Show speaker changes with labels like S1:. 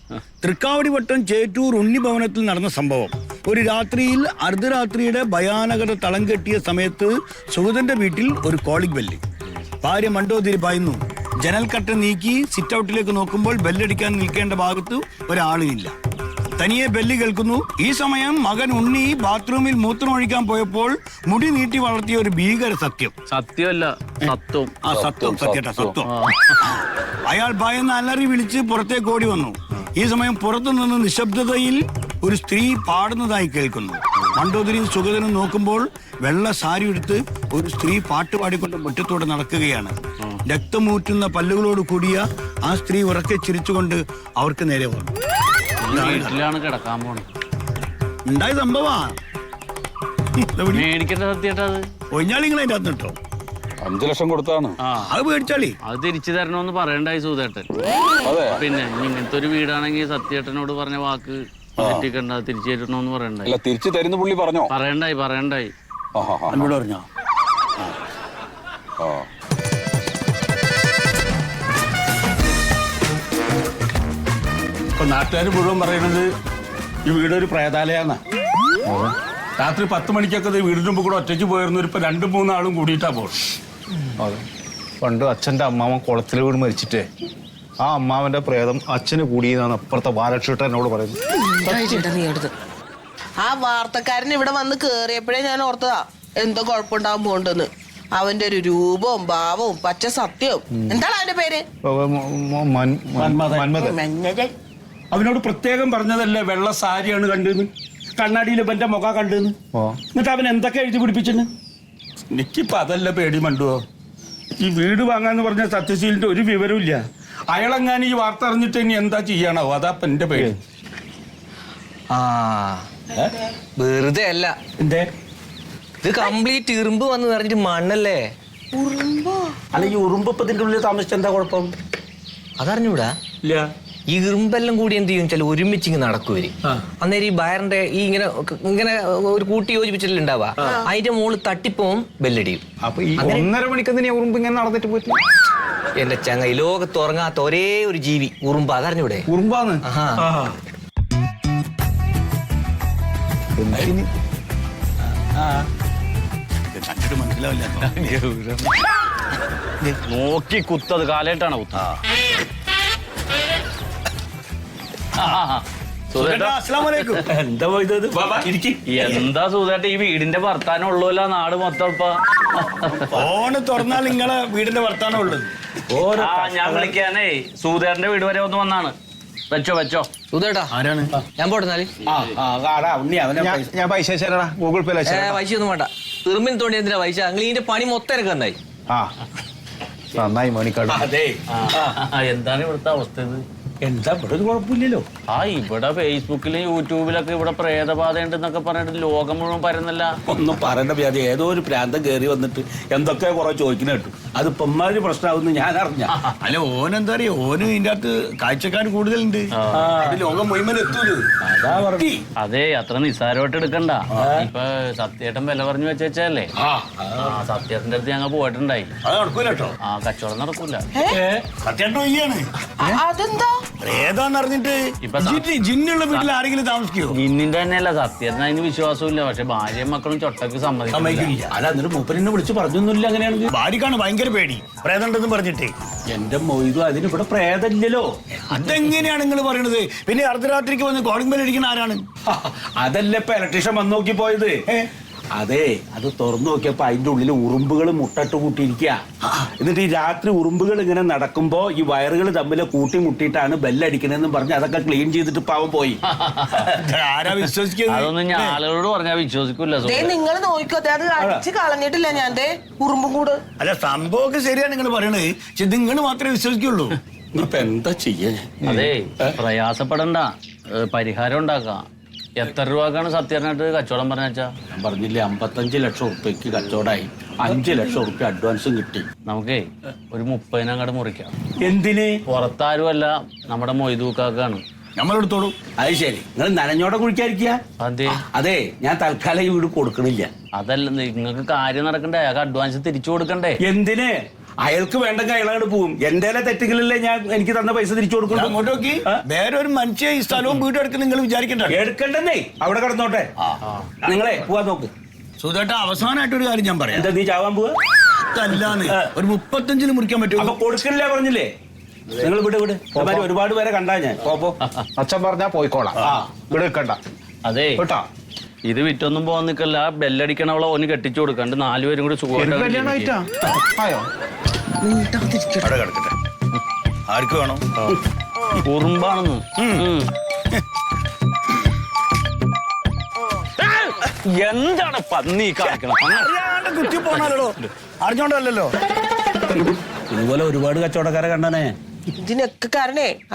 S1: തൃക്കാവടിവട്ടം ചേറ്റൂർ ഉണ്ണിഭവനത്തിൽ നടന്ന സംഭവം. ഒരു രാത്രിയിൽ അർദ്ധരാത്രിയുടെ ഭയാനകത തളം കെട്ടിയ സമയത്ത് സുഗതന്റെ വീട്ടിൽ ഒരു കോളിംഗ് ബെല്ല്. ഭാര്യ മണ്ടോതിരി പായുന്നു. ജനൽക്കട്ട നീക്കി സിറ്റ് ഔട്ടിലേക്ക് നോക്കുമ്പോൾ ബെല്ലടിക്കാൻ നിൽക്കേണ്ട ഭാഗത്ത് ഒരാളുമില്ല. തനിയെ ബെല്ല് കേൾക്കുന്നു. ഈ സമയം മകൻ ഉണ്ണി ബാത്റൂമിൽ മൂത്രമൊഴിക്കാൻ പോയപ്പോൾ മുടി നീട്ടി വളർത്തിയ ഒരു ഭീകര സത്യം.
S2: സത്യമല്ല, സത്വം.
S1: സത്യം. അയാൾ ഭയന്ന് അലറി വിളിച്ച് പുറത്തേക്ക് ഓടി വന്നു. ഈ സമയം പുറത്തു നിന്ന് നിശബ്ദതയിൽ ഒരു സ്ത്രീ പാടുന്നതായി കേൾക്കുന്നു. മണ്ടോദരിയും സുഗതനും നോക്കുമ്പോൾ വെള്ള സാരി എടുത്ത് ഒരു സ്ത്രീ പാട്ട് പാടിക്കൊണ്ട് മുറ്റത്തോടെ നടക്കുകയാണ്. രക്തമൂറ്റുന്ന പല്ലുകളോട് കൂടിയ ആ സ്ത്രീ ഉറക്കെ ചിരിച്ചുകൊണ്ട് അവർക്ക് നേരെ വന്നു.
S2: വീട്ടിലാണ് കിടക്കാൻ പോണത്.
S1: ഉണ്ടായ സംഭവാ.
S2: മേടിക്കേണ്ട സത്യേട്ടത്
S1: ഒഞ്ഞാളിങ്ങൾ അതിന്റെ അകത്ത് ഇട്ടോ.
S3: 5 ലക്ഷം കൊടുത്താണ്.
S1: അത് മേടിച്ചാളി.
S2: അത് തിരിച്ചു തരണമെന്ന് പറയണ്ടായി സൂതേട്ടൻ. പിന്നെ ഇങ്ങനത്തെ ഒരു വീടാണെങ്കിൽ സത്യേട്ടനോട് പറഞ്ഞ വാക്ക് തെറ്റിക്കണ്ട, തിരിച്ചു തരണമെന്ന് പറയണ്ടായി.
S3: തിരിച്ചു തരുന്ന പുള്ളി പറഞ്ഞോ?
S2: പറയണ്ടായി.
S1: എന്നോട് പറഞ്ഞോ?
S4: ഇപ്പൊ നാട്ടുകാർ മുഴുവൻ പറയുന്നത് ഈ വീടൊരു പ്രേതാലയാന്നാ. രാത്രി 10 മണിക്കൊക്കെ വീടിന് മുമ്പ് കൂടെ ഒറ്റയ്ക്ക് പോയിരുന്നു. ഇപ്പൊ 2-3 ആളും കൂടിയിട്ടാ പോകും.
S5: അതെ, പണ്ട് അച്ഛൻ്റെ അമ്മാവൻ കുളത്തിൽ വീണ് മരിച്ചിട്ടേ ആ അമ്മാവന്റെ പ്രേതം അച്ഛന് കൂടിയെന്നാണ് അപ്പുറത്തെ ബാലക്ഷേട്ടൻ എന്നോട് പറയുന്നത്.
S6: ആ വാർത്തക്കാരൻ ഇവിടെ വന്ന് കേറിയപ്പോഴേ ഞാൻ ഓർത്തതാ എന്തോ കുഴപ്പമുണ്ടാവാൻ പോണ്ടെന്ന്. അവന്റെ ഒരു രൂപവും ഭാവവും പച്ച സത്യവും. എന്താണ് അവന്റെ പേര്?
S4: അവനോട് പ്രത്യേകം പറഞ്ഞതല്ലേ വെള്ള സാരിയാണ് കണ്ടെന്ന്, കണ്ണാടിയിൽ ഇവന്റെ മുഖ കണ്ടെന്ന്. എന്നിട്ട് അവൻ എന്തൊക്കെ എഴുതി പിടിപ്പിച്ചെന്ന്. എനിക്കിപ്പോ അതല്ല പേടി മണ്ടുവോ. ഈ വീട് വാങ്ങാന്ന് പറഞ്ഞ സത്യശീലിന്റെ ഒരു വിവരവും ഇല്ല. അയാളെങ്ങാനും ഈ വാർത്ത അറിഞ്ഞിട്ട് ഇനി എന്താ ചെയ്യാണോ, അതാപ്പ എന്റെ പേടി.
S7: വെറുതെ അല്ല,
S4: എന്തേ
S7: ഇത് കംപ്ലീറ്റ് ഇറുമ്പ് വന്ന് നിറഞ്ഞിട്ട് മണ്ണല്ലേ.
S4: അല്ല, ഈ ഉറുമ്പത്തിന്റെ ഉള്ളിൽ താമസിച്ച എന്താ കുഴപ്പം?
S7: അതറിഞ്ഞൂടാ.
S4: ഇല്ല.
S7: ഈ ഇറുമ്പെല്ലാം കൂടി എന്ത് ചെയ്യും വെച്ചാൽ ഒരുമിച്ച് ഇങ്ങനെ നടക്കുവര്. അന്നേരം ഈ ബയറിന്റെ ഈ ഇങ്ങനെ ഇങ്ങനെ ഒരു കൂട്ടി യോജിപ്പിച്ചിട്ടില്ല ഉണ്ടാവുക. അതിന്റെ മുകളിൽ തട്ടിപ്പോവും, ബെല്ലടിയും.
S5: അപ്പൊ ഈ 1.5 മണിക്കെന്തിനാ ഉറുമ്പ് ഇങ്ങനെ നടന്നിട്ട് പോയിട്ട്?
S7: എന്റെ ചങ്ങ, ഈ ലോകത്ത് ഉറങ്ങാത്ത ഒരേ ഒരു ജീവി ഉറുമ്പ്. അതറിഞ്ഞൂടെ?
S5: ഉറുമ്പാന്ന്
S2: നോക്കി കുത്തത് കാലേട്ടാണ് കുത്ത. എന്താ സൂതേട്ട ഈ വീടിന്റെ വർത്താനം ഉള്ളൂല്ല നാട് മൊത്തം.
S1: ഫോണ് തുറന്നാൽ നിങ്ങളെ വീടിന്റെ വർത്താനം ഉള്ളത്.
S2: ഞാൻ വിളിക്കാനേ സൂതേട്ടന്റെ വീട് വരെ ഒന്ന് വന്നാണ്. വെച്ചോ
S7: സുധേട്ടാ.
S1: ആരാണ്?
S7: ഞാൻ പോട്ടെന്നാല്.
S5: ഞാൻ പൈസ അയച്ചാലടാ, ഗൂഗിൾ പേ
S7: പൈസ ഒന്നും വേണ്ട. ഇറുമ്പിന് തോണ്ടി എന്തിനാ പൈസ? നിങ്ങൾ ഇതിന്റെ പണി മൊത്തം എനിക്ക് നന്നായി.
S5: നന്നായി മണിക്കാട്.
S2: എന്താണ് ഇവിടുത്തെ അവസ്ഥ? ഇത്
S4: എന്താ ഇവിടെ ഒരു കുഴപ്പമില്ലല്ലോ.
S2: ഇവിടെ ഫേസ്ബുക്കിലും യൂട്യൂബിലൊക്കെ ഇവിടെ പ്രേതബാധ ഉണ്ടെന്നൊക്കെ പറഞ്ഞിട്ട് ലോകം മുഴുവൻ പരന്നല്ല.
S4: ഒന്നും പറയേണ്ട വ്യാധി. ഏതോ ഒരു പ്രാന്തം കയറി വന്നിട്ട് എന്തൊക്കെ കുറെ ചോദിക്കുന്ന കേട്ടു. അത് ഇപ്പൊരു പ്രശ്നമാവുന്ന ഞാൻ അറിഞ്ഞ.
S1: അല്ല, ഓനെന്താ അറിയോ, ഓന് ഇതിന്റെ അകത്ത് കാഴ്ചക്കാർ കൂടുതലുണ്ട്. ലോകം മുഴുവൻ എത്തൂല്.
S2: അതെ, അത്ര നിസ്സാരമായിട്ട് എടുക്കണ്ട. ഇപ്പൊ സത്യേട്ടൻ വില പറഞ്ഞു വെച്ചല്ലേ. സത്യേട്ടന്റെ അടുത്ത് ഞങ്ങൾ പോയിട്ടുണ്ടായി.
S1: അത് നടക്കൂല കേട്ടോ.
S2: കച്ചവടം നടക്കൂല.
S1: സത്യേട്ടൻ ഇല്ലാണ്.
S6: അതെന്താ?
S1: പ്രേതാന്നറിഞ്ഞിട്ട് ജിന്നുള്ള വീട്ടിൽ ആരെങ്കിലും താമസിക്കോ?
S2: ജിന്നിന്റെ തന്നെയല്ല, സത്യേട്ടൻ അതിന് വിശ്വാസമില്ല. പക്ഷെ ഭാര്യയും മക്കളും ചൊട്ടക്ക് സമ്മതിക്കില്ല.
S4: അല്ല, എന്നിട്ട് മൂപ്പരെന്നെ വിളിച്ച് പറഞ്ഞൊന്നുമില്ല. അങ്ങനെയാണെങ്കിൽ
S1: ഭാര്യക്കാണ് ഭയങ്കര പേടി, പ്രേതമുണ്ടെന്ന് പറഞ്ഞിട്ടേ.
S4: എന്റെ മൊയ്തു, അതിന് ഇവിടെ പ്രേതമില്ലല്ലോ.
S1: അതെങ്ങനെയാണ് നിങ്ങൾ പറയണത്? പിന്നെ അർദ്ധരാത്രിക്ക് വന്ന് കോളിംഗ് ബെൽ അടിക്കുന്ന ആരാണ്?
S4: അതല്ല ഇപ്പൊ ഇലക്ട്രീഷ്യൻ വന്ന് നോക്കി പോയത്. അതെ, അത് തുറന്നു നോക്കിയപ്പോ അതിന്റെ ഉള്ളിൽ ഉറുമ്പുകൾ മുട്ടട്ട് കൂട്ടിയിരിക്കുക. എന്നിട്ട് ഈ രാത്രി ഉറുമ്പുകൾ ഇങ്ങനെ നടക്കുമ്പോ ഈ വയറുകൾ തമ്മിൽ കൂട്ടിമുട്ടിയിട്ടാണ് ബെല്ലടിക്കണെന്നും പറഞ്ഞ് അതൊക്കെ ക്ലീൻ ചെയ്തിട്ട് പാവം പോയി.
S1: ആരാ വിശ്വസിക്കുന്നത്?
S2: അതൊന്നും ഞാൻ ആളുകളോട് പറഞ്ഞാൽ വിശ്വസിക്കൂല.
S6: നിങ്ങൾ നോക്കിക്കോട്ടെ, അത് അടിച്ച് കളഞ്ഞിട്ടില്ല ഞാൻ. ഉറുമ്പും കൂട്.
S1: അല്ല, സംഭവമൊക്കെ ശരിയാണ് നിങ്ങൾ പറയണത്. പക്ഷെ നിങ്ങൾ മാത്രമേ വിശ്വസിക്കുള്ളൂ.
S4: ഇപ്പൊ എന്താ ചെയ്യാ?
S2: അതെ, പ്രയാസപ്പെടണ്ട, പരിഹാരം ഉണ്ടാക്കാം. എത്ര രൂപക്കാണ് സത്യേട്ടനായിട്ട് കച്ചവടം പറഞ്ഞാ?
S4: ഞാൻ പറഞ്ഞില്ലേ, 55 ലക്ഷം ഉറുപ്പ്യക്ക് കച്ചവടമായി. 5 ലക്ഷം ഉറുപ്പ്യ അഡ്വാൻസും കിട്ടി.
S2: നമുക്കേ ഒരു 30 അങ്ങോട്ട് മുറിക്കാം.
S4: എന്തിന്?
S2: പുറത്താരുമല്ല, നമ്മുടെ മൊയ്തൂക്കാക്കാണ്.
S1: നമ്മളെടുത്തോളൂ.
S4: അത് ശരി, നിങ്ങൾ നനഞ്ഞോടെ കുഴിക്കാതിരിക്കുക.
S2: അതെ
S4: അതെ, ഞാൻ തൽക്കാലം ഈ വീട് കൊടുക്കണില്ല.
S2: അതല്ല, നിങ്ങൾക്ക് കാര്യം നടക്കണ്ടേ, അയാൾക്ക് അഡ്വാൻസ് തിരിച്ചു കൊടുക്കണ്ടേ?
S4: എന്തിന്? അയാൾക്ക് വേണ്ടെങ്കിൽ അയാളോട് പോവും എന്റെ തെറ്റുകളിലല്ലേ ഞാൻ എനിക്ക് തന്ന പൈസ തിരിച്ചു കൊടുക്കും.
S1: അങ്ങോട്ട് നോക്കി വേറെ ഒരു മനുഷ്യ ഈ സ്ഥലവും വീടും എടുക്കുന്ന നിങ്ങൾ വിചാരിക്കണ്ട.
S4: എടുക്കണ്ടെന്നേ, അവിടെ കിടന്നോട്ടെ. നിങ്ങളെ പോവാൻ നോക്ക്.
S1: സുധേട്ട അവസാനമായിട്ട് ഒരു കാര്യം ഞാൻ പറയാം.
S4: എന്താ നീ ചാവാൻ പോവാ?
S1: അല്ലാന്ന് ഒരു 35 മുറിക്കാൻ പറ്റുമോ?
S4: അപ്പൊ കൊടുക്കണില്ല പറഞ്ഞില്ലേ? നിങ്ങൾ വിട് ഒരുപാട് പേരെ കണ്ടാ ഞാൻ. പോ
S5: അച്ഛൻ പറഞ്ഞാ പോയിക്കോളാം. ഇവിടെ നിൽക്കണ്ട
S2: അതെ
S5: കേട്ടാ.
S2: ഇത് വിറ്റൊന്നും പോകാൻ നിൽക്കല്ല. ബെല്ലടിക്കണവളെ ഓന് കെട്ടിച്ചു കൊടുക്കണ്ട് 4 പേരും കൂടി
S5: കല്യാണമായിട്ടാ ആയോ?
S1: അവിടെ കിടക്കട്ടെ. ആർക്ക് വേണം?
S2: ഉറുമ്പാണെന്ന്. എന്താണ് പന്നി കാണിക്കണം?
S1: അറിയാണ്ട് കുത്തി പോണല്ലോ, അറിഞ്ഞോണ്ടല്ലോ.
S4: ഇതുപോലെ ഒരുപാട് കച്ചവടക്കാരെ കണ്ടാനേ.
S6: ഇതിനൊക്കെ കാരണേ